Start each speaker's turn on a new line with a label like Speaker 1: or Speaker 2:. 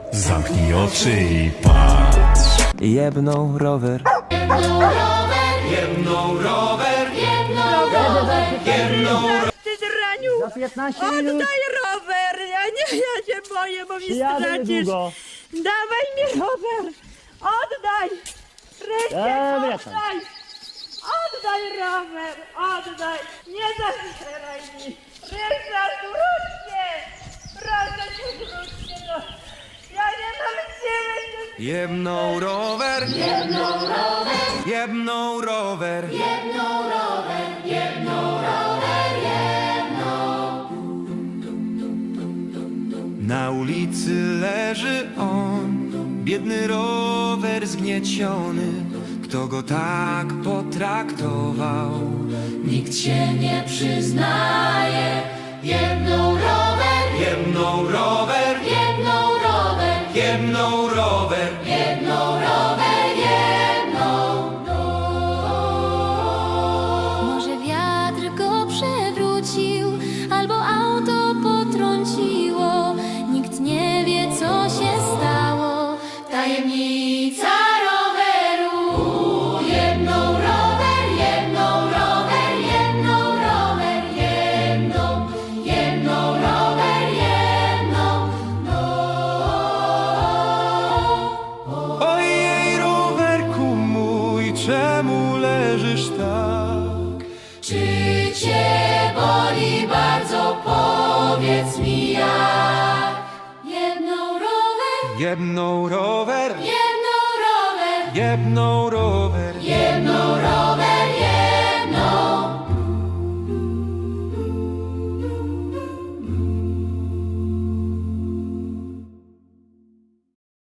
Speaker 1: Zamknij oczy i patrz.
Speaker 2: Jebną rower.
Speaker 1: Jedną rower.
Speaker 3: Ty zraniu!
Speaker 4: Za 15 minut
Speaker 3: Oddaj rower! Ja się boję, bo mi
Speaker 4: przyjadę
Speaker 3: stracisz.
Speaker 4: niedługo.
Speaker 3: Dawaj mi rower! Oddaj! Rysiek,
Speaker 4: Dobra, tam.
Speaker 3: oddaj! Oddaj rower! Oddaj! Nie zabieraj mi! Ryszard, wróć się! Proszę cię, wróć się! No. Ja nie mam siły!
Speaker 2: Jebną rower. Jebną rower. Na ulicy leży on, biedny rower zgnieciony. Kto go tak potraktował?
Speaker 5: Nikt się nie przyznaje. Jedną rower,
Speaker 2: Jebną rower.
Speaker 5: jedną rower,
Speaker 2: Jebną rower.
Speaker 5: jedną rower, jedną. Może wiatr go przewrócił, albo auto potrąciło. Nikt nie wie, co się stało. Tajemnica roweru. Jedną rower, jedną rower, jedną rower, jedną rower, jedną.
Speaker 2: Ojej, rowerku mój, czemu leżysz tak?
Speaker 5: Czy cię boli bardzo? Powiedz mi jak. Jedną rower,
Speaker 2: Jebną rower.
Speaker 5: jedną rower,
Speaker 2: Jebną rower.
Speaker 5: jedną rower,